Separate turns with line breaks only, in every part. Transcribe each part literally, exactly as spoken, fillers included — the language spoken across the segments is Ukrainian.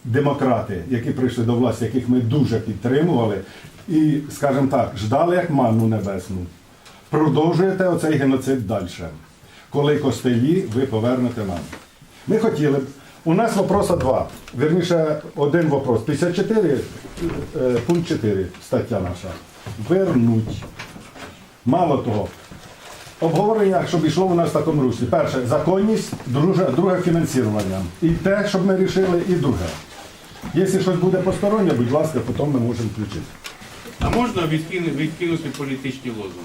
демократи, які прийшли до власті, яких ми дуже підтримували, і, скажімо так, ждали як манну небесну. Продовжуєте оцей геноцид далі. Коли костелі ви повернете нам. Ми хотіли б. У нас вопроса два. Вірніше, один вопрос. п'ятдесят чотири, е, пункт чотири, стаття наша. Вернуть. Мало того, обговорення, щоб йшло у нас в такому руслі. Перше, законність, друге, друге фінансування. І те, щоб ми рішили, і друге. Якщо щось буде постороннє, будь ласка, потім ми можемо включити.
А можна відкинути, відкинути політичні лозунги?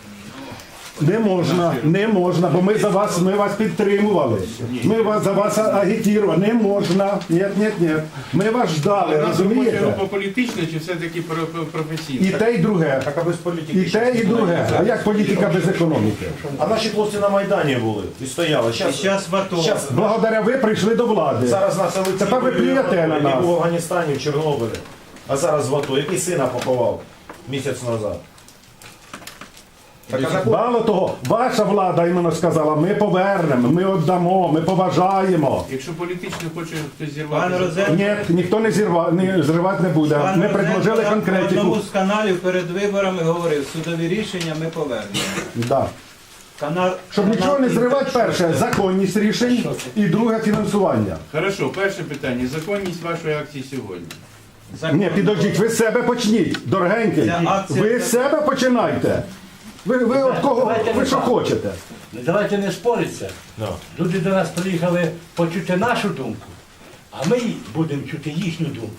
Не можна, не можна, бо ми за вас, ми вас підтримували. Ми вас за вас агітували. Не можна. Ні, ні, ні. Ми вас ждали, розумієте?
Група політична чи все-таки професійна?
І те, і друге.
Так, а без політики.
І те, і друге. А як політика без економіки?
А наші хлопці на Майдані були і стояли. Щас,
Зараз в АТО.
щас,
Благодаря ви прийшли до влади.
зараз нас Олексій
Тепер ви плюєте на
який
нас.
був в Афганістані, в Чорнобилі, а зараз в АТО. Який сина поховав місяць назад. Так, а закон-
Мало того, ваша влада іменно сказала, ми повернемо, ми віддамо, ми поважаємо.
Якщо політично хоче хтось
Пан
зірвати...
Розен,
Ні, ніхто не зірва, не зривати не буде.
пан
Ми
Розен
предложили
на
конкретику.
одному з каналів перед виборами говорив, судові рішення ми повернемо.
Да.
Канал,
Щоб
канал
нічого не зривати,
«Інтер».
перше, законність рішень і друге фінансування.
Хорошо, перше питання. Законність вашої акції сьогодні.
Закон.
Ні, підождіть, ви з себе почніть, дорогенький.
Ця акція-
Ви з себе починайте. Ви, ви от кого, ви що хочете?
Давайте не спориться.
Да.
Люди до нас приїхали почути нашу думку, а ми будемо чути їхню думку.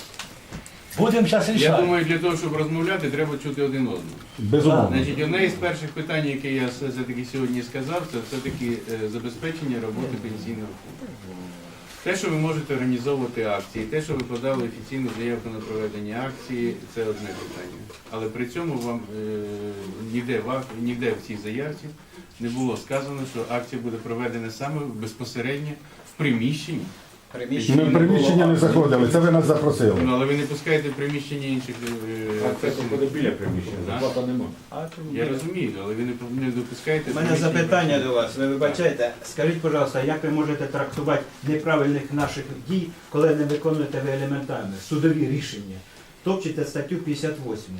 Будемо зараз
Я
рішати.
думаю, для того, щоб розмовляти, треба чути один одного.
Безумовно.
Значить, одне із перших питань, яке я все-таки сьогодні сказав, це все-таки е, забезпечення роботи пенсійного фонду. Те, що ви можете організовувати акції, те, що ви подали офіційну заявку на проведення акції, це одне питання. Але при цьому вам е, ніде, в ак- ніде в цій заявці не було сказано, що акція буде проведена саме безпосередньо в приміщенні.
Ми в приміщення не заходили, це ви нас запросили.
Ну, але ви не пускаєте в приміщення інших е, працівників.
біля приміщення,
Да?
зарплата нема.
Я розумію, але ви не, не допускаєте.
У мене
приміщення
запитання
працівників.
до вас. Ви вибачайте, скажіть, будь ласка, як ви можете трактувати неправильних наших дій, коли не виконуєте ви елементарне судові рішення? Топчете статтю п'ятдесят восьму.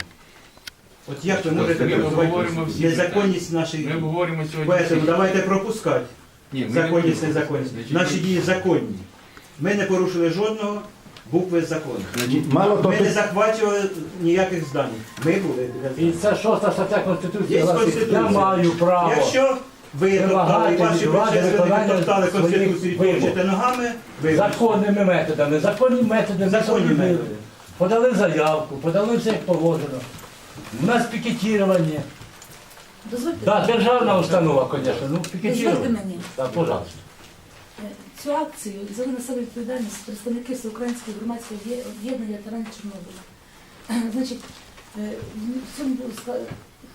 От як ви можете
Ми обговоримо всі
трактувати незаконність наших
Ми
дій?
обговоримо сьогодні.
Поэтому
всі-
давайте пропускати.
Ні, ми не
Законність,
будемо.
незаконність.
Значить,
Наші
ми-
дії законні. Ми не порушили жодного букви закону.
Мало того,
Ми не
тут-
захвачували ніяких здань. Ми були.
І це шоста стаття Конституції.
Є
гласить,
Конституція.
я маю право.
Якщо ви топтали,
Вимагати
ваші
від влади
предшественники
виконання
топтали
своїх
Конституцію і
вимог.
топчете ногами, ви
Законними методами. Законні методи ми
Законні
зробили.
методи.
Подали заявку, подали все як положено. У нас пікетування.
Дозвольте,
Так, державна установа, звісно, ну
дозвольте
пікетування.
мені.
Так, пожалуйста.
Е, Цю акцію взяли на себе відповідальність представники Всеукраїнського громадського об'є- об'єднання ветеранів Чорнобиля. Е, Значить, е, в цьому було ска-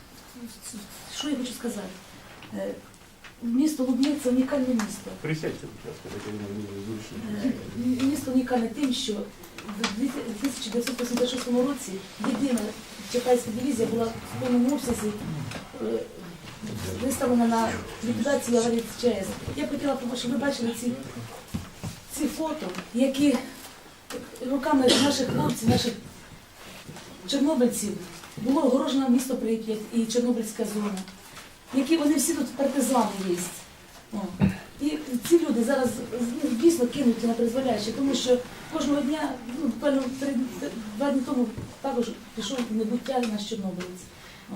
що я хочу сказати? Е, Місто Лубни – це унікальне місто.
Присядьте, будь ласка, так я думаю, буде зручно.
Е, Місто унікальне тим, що в дві тисячі дев'ятсот вісімдесят шостому році єдина Чекайська дивізія була в повному обсязі е, виставлена на ліквідацію аварії в ЧАЕС. Я б хотіла, щоб ви бачили ці, ці фото, які руками наших хлопців, наших чорнобильців було огорожено місто Прип'ять і Чорнобильська зона, які вони всі тут партизани є. О. І ці люди зараз ну, дійсно кинуті на призволяще, тому що кожного дня, ну, буквально три, два дні тому також пішов в небуття наш чорнобилець. О.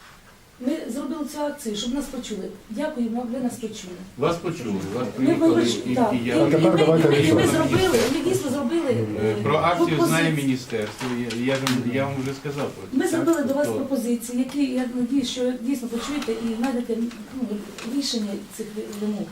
Ми зробили цю акцію, щоб нас почули. Дякую, ви нас почули.
Вас почули, вас
Ми, ми,
приїхали,
поч-
і,
так.
і
І,
я...
і,
тепер
ми,
давайте
і ми
рішувати.
зробили, ми дійсно зробили
Е, Про акцію знає
пропозиції.
міністерство, я, я, ж вам- я вам вже сказав. про це,
Ми
так?
зробили до вас
То-
пропозиції, які, я надію, що дійсно почуєте і знайдете ну, рішення цих вимог.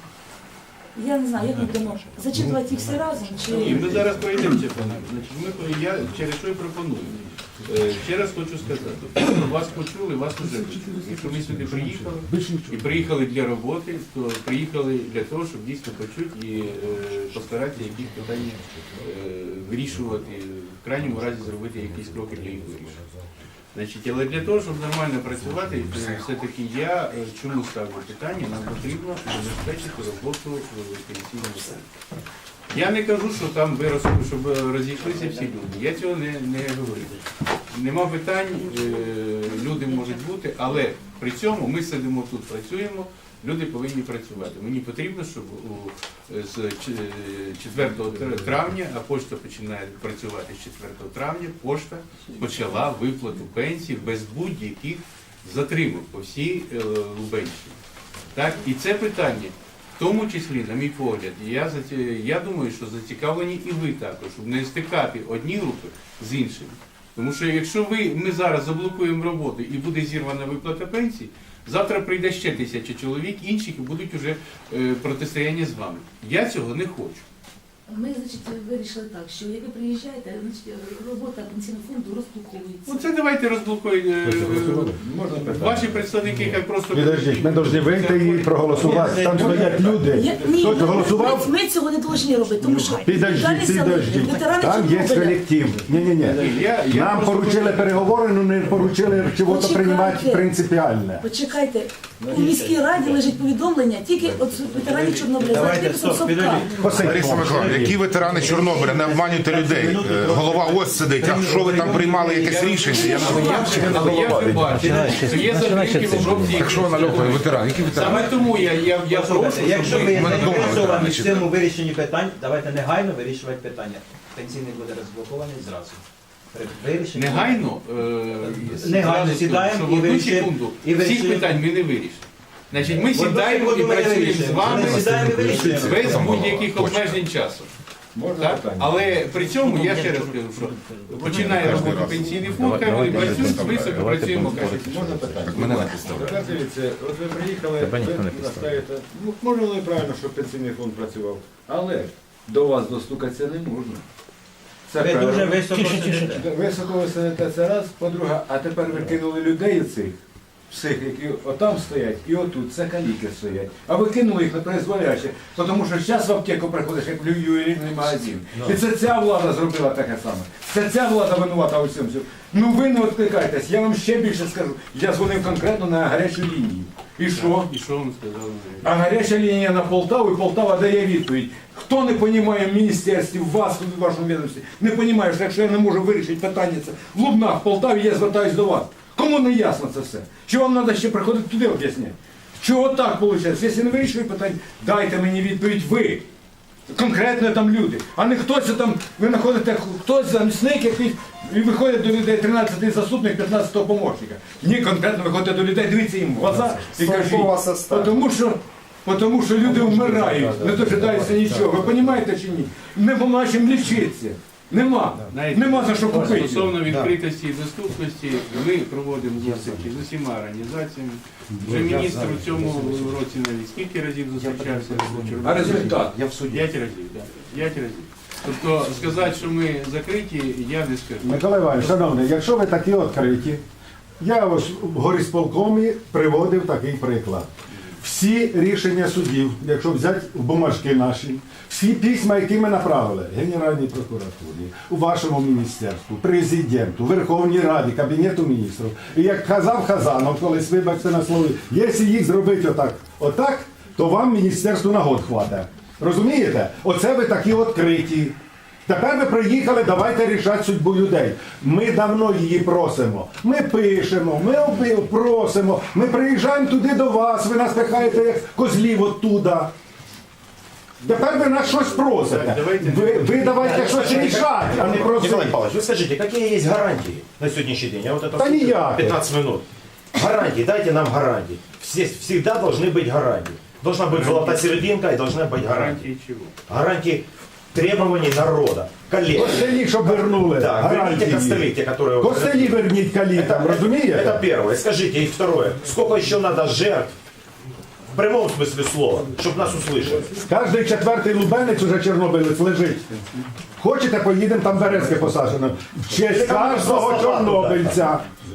Я не знаю, як ми будемо зачитувати їх всі разом,
І
чи...
ми зараз пройдемо це по нам. Значить, ми, я через що і пропоную. Е, Ще раз хочу сказати, вас почули, вас вже почули. Якщо ми сюди приїхали, і приїхали для роботи, то приїхали для того, щоб дійсно почути і е, постаратися якісь питання е, вирішувати, в крайньому разі зробити якісь кроки для їх вирішення. Значить, але для того, щоб нормально працювати, е, все-таки я е, чому ставлю питання, нам потрібно забезпечити роботу пенсійного фонду. Я не кажу, що там виросли, щоб розійшлися всі люди. Я цього не, не говорю. Нема питань, е, люди можуть бути, але при цьому ми сидимо тут, працюємо, люди повинні працювати. Мені потрібно, щоб у, з ч- четвертого травня, а пошта починає працювати з четвертого травня, пошта почала виплату пенсій без будь-яких затримок по всій е, Лубенщині. Так? І це питання, в тому числі, на мій погляд, я, заці- я думаю, що зацікавлені і ви також, щоб не стикати одні групи з іншими. Тому що якщо ви, ми зараз заблокуємо роботу і буде зірвана виплата пенсій, завтра прийде ще тисяча чоловік, інших і будуть вже е, протистояння з вами. Я цього не хочу.
Ми, значить, вирішили так, що як ви приїжджаєте, значить, робота пенсійного фонду розблоковується.
Ну це давайте розблокуємо. е, Ваші представники хай просто...
Підождіть, ми повинні вийти і проголосувати. Там стоять люди.
Я- ні,
Хтось
ми-
голосував?
Ми, ми цього не повинні робити, тому що
Підождіть, підождіть.
ветерани
Там є
Чорнобиля.
колектив. Ні-ні-ні.
Я- я
Нам
просто
поручили
хочу-
переговори, але не поручили чого-то
Почекайте.
приймати принципіальне.
Почекайте, у міській раді лежить повідомлення, тільки от ветеранів Чорнобиля. Зараз
Давайте,
виписав
стоп,
Совка.
підождіть.
Лариса Миколаївна, які ветерани Чорнобиля, не обманюйте людей. Е, Голова ось сидить, а що ви там приймали якесь рішення? Я не
Але я вже- але я вже бачу, що є затримки в обробці.
Так що вона льопає, ветеран? Які ветерани?
Саме тому я, я, я прошу,
Послухайте, якщо
щоб
ви
ви...
мене дома
заінтересовані в
ветерани
цьому вирішенні питань, давайте негайно вирішувати питання. Пенсійний буде розблокований зразу. При вирішенні-
Негайно, е,
Негайно
зразу,
сідаємо
щоб
і
в одну
вирішуємо-
секунду
і
всіх
вирішуємо.
питань ми не вирішимо. Значить, ми
Одну
сідаємо і
секунду ми не
працюємо з
вирішуємо.
вами
Ми сідаємо і вирішуємо.
без будь-яких обмежень часу. Так? Але при цьому я ще раз кажу, що починає роботу пенсійний фонд, хай вони працюють, високо працюємо, кажуть.
Можна питання?
мене не підставляють.
Тепер дивіться, от ви приїхали, ви наставите, ну, може воно і правильно, щоб пенсійний фонд працював, але до вас достукатися не можна. Це
Ви дуже
перше.
високо сидите.
Високо ви сидите, це раз, по-друге, а тепер ви кинули людей цих, всіх, які отам стоять, і отут, це каліки стоять. А ви кинули їх на призволяще, тому що зараз в аптеку приходиш, як в ювелірний магазин. І це ця влада зробила таке саме. Це ця влада винувата у всьому. Ну ви не відкликайтесь, я вам ще більше скажу. Я дзвонив конкретно на гарячу лінію. І що?
І що вам сказали?
А гаряча лінія на Полтаву, і Полтава дає відповідь. Хто не розуміє в міністерстві, в вас, в вашому відомстві, не розуміє, що якщо я не можу вирішити питання це в Лубнах, в Полтаві, я звертаюсь до вас. Кому не ясно це все? Чи вам треба ще приходити туди об'ясняти? Чого так виходить? Якщо не вирішує питання, дайте мені відповідь ви. Конкретно там люди. А не хтось там, ви знаходите, хтось замісник якийсь, і виходить до людей тринадцятий заступник, п'ятнадцятого помощника. Ні, конкретно виходите до людей, дивіться їм в глаза і кажіть. Тому що, тому що люди вмирають, не дожидаються нічого. Ви розумієте чи ні? Нема чим лічитися. Нема.
Знаєте,
Нема за що купити.
Стосовно відкритості і доступності, ми проводимо зустрічі з усіма організаціями. Вже міністр у цьому році навіть скільки разів зустрічався з
А результат?
П'ять разів, так. П'ять разів. Тобто сказати, що ми закриті, я не скажу.
Микола Іванович, шановний, якщо ви такі відкриті, я ось в горисполкомі приводив такий приклад. Всі рішення судів, якщо взяти в бумажки наші, всі письма, які ми направили Генеральній прокуратурі, у вашому міністерству, президенту, Верховній Раді, Кабінету міністрів. І як казав Хазанов, колись, вибачте на слові, якщо їх зробити отак, отак, то вам міністерству на год хватить. Розумієте? Оце ви такі відкриті. Тепер ви приїхали, давайте рішати судьбу людей. Ми давно її просимо. Ми пишемо, ми оби- просимо, ми приїжджаємо туди до вас, ви нас пихаєте як козлів оттуда. Тепер ви нас щось просите. Ви, ви давайте щось рішати, а не
Николай
просити.
Павлович, вы скажите, какие есть гарантии на сегодняшний день? Я вот это
Да
слушаю
никаких.
пятнадцать минут. Гарантии, дайте нам гарантии. Все, всегда должны быть гарантии. Должна быть золотая серединка и должна быть гарантия.
Гарантії чого?
Гарантии требований народа, коллег.
Костелі, щоб вернули.
Да, верните
гарантії.
костыли, те, которые...
Костелі верніть калітам,
Это
розумієте?
первое. Скажите, и второе. Сколько еще надо жертв, в прямом смысле слова, чтобы нас услышали?
Кожний четвертий лубенець уже чорнобилець лежить. Хочете, поїдемо, там березки посаджено. В честь кожного чорнобильця.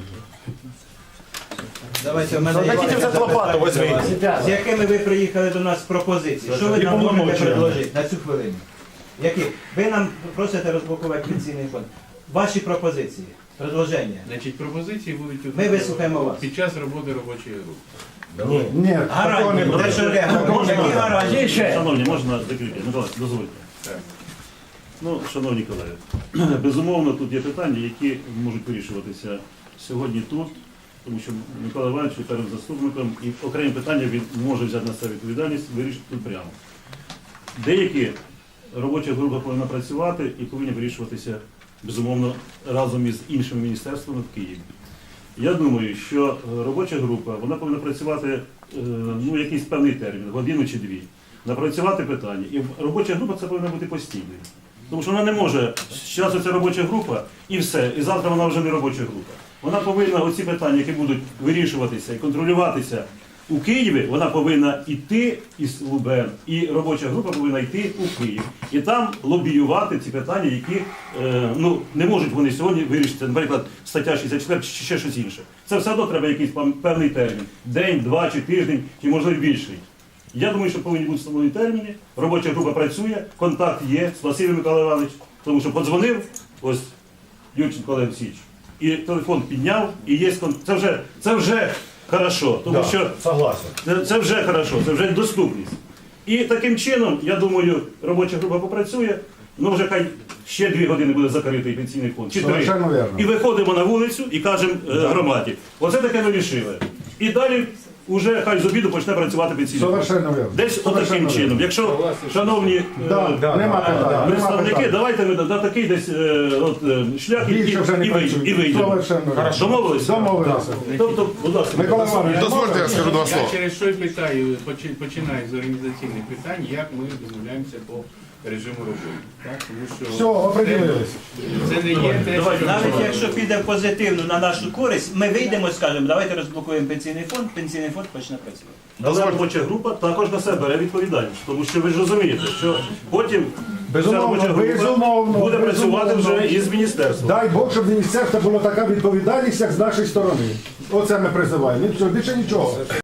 Давайте, в мене є
Хотите взять лопату, возьмите.
з якими ви приїхали до нас з пропозиції? Що ви нам можете предложити на цю хвилину? Які? Ви нам просите розблокувати пенсійний фонд. Ваші пропозиції, предложення.
Значить, пропозиції будуть тут
Ми вислухаємо вас.
під час роботи робочої групи.
Ні, такого не
Гарантії.
буде.
Те, що Олег, які гарантії?
Ще.
Шановні, можна закрити? Микола, дозвольте.
Так.
Ну, шановні колеги, безумовно, тут є питання, які можуть вирішуватися сьогодні тут, тому що Микола Іванович є першим заступником, і окремі питання він може взяти на себе відповідальність, вирішити тут прямо. Деякі робоча група повинна працювати і повинні вирішуватися, безумовно, разом із іншими міністерствами в Києві. Я думаю, що робоча група вона повинна працювати е, ну, якийсь певний термін, годину чи дві, напрацювати питання. І робоча група це повинна бути постійною. Тому що вона не може, зараз це робоча група і все, і завтра вона вже не робоча група. Вона повинна оці питання, які будуть вирішуватися і контролюватися у Києві, вона повинна йти із ЛУБН, і робоча група повинна йти у Київ. І там лобіювати ці питання, які е, ну, не можуть вони сьогодні вирішити, наприклад, стаття шістдесят чотири чи ще щось інше. Це все одно треба якийсь певний термін. День, два чи тиждень, чи можливо більший. Я думаю, що повинні бути встановлені терміни, робоча група працює, контакт є, спасибі Микола Іванович, тому що подзвонив, ось Юрченко Олег Олексійович, і телефон підняв, і є контакт. Це вже, це вже хорошо, тому
Да,
що
согласен.
це, це вже хорошо, це вже доступність. І таким чином, я думаю, робоча група попрацює, ну вже хай ще дві години буде закритий пенсійний фонд, чи три.
Совершенно вірно.
І виходимо на вулицю і кажемо е, громаді, оце таке ми рішили. І далі вже хай з обіду почне працювати пенсійний фонд.
Совершенно вірно.
Десь отаким
Совершенно
чином.
вірно.
Якщо, шановні е,
Да, да, нема питань, нема
представники,
питань.
давайте ми на такий десь е, от, е, шлях і, і,
Більше вже не
і, вий-
працює.
і вийдемо.
Совершенно вірно.
Домовились?
Домовилися.
Тобто, будь ласка,
Микола Іванович,
Дозвольте, я скажу два
Я
слова.
через що й питаю, почи- починаю з організаційних питань, як ми домовляємося по режиму роботи. Так? Тому що
Все, определились.
це не є те, що
Навіть якщо піде позитивно на нашу користь, ми вийдемо і скажемо, давайте розблокуємо пенсійний фонд, пенсійний фонд почне працювати.
але робоча група також на себе бере відповідальність, тому що ви ж розумієте, що потім ця
Безумовно,
робоча група
безумовно,
буде працювати
безумовно.
вже із міністерством.
Дай Бог, щоб міністерство була така відповідальність, як з нашої сторони. Оце ми призиваємо. І все, більше нічого.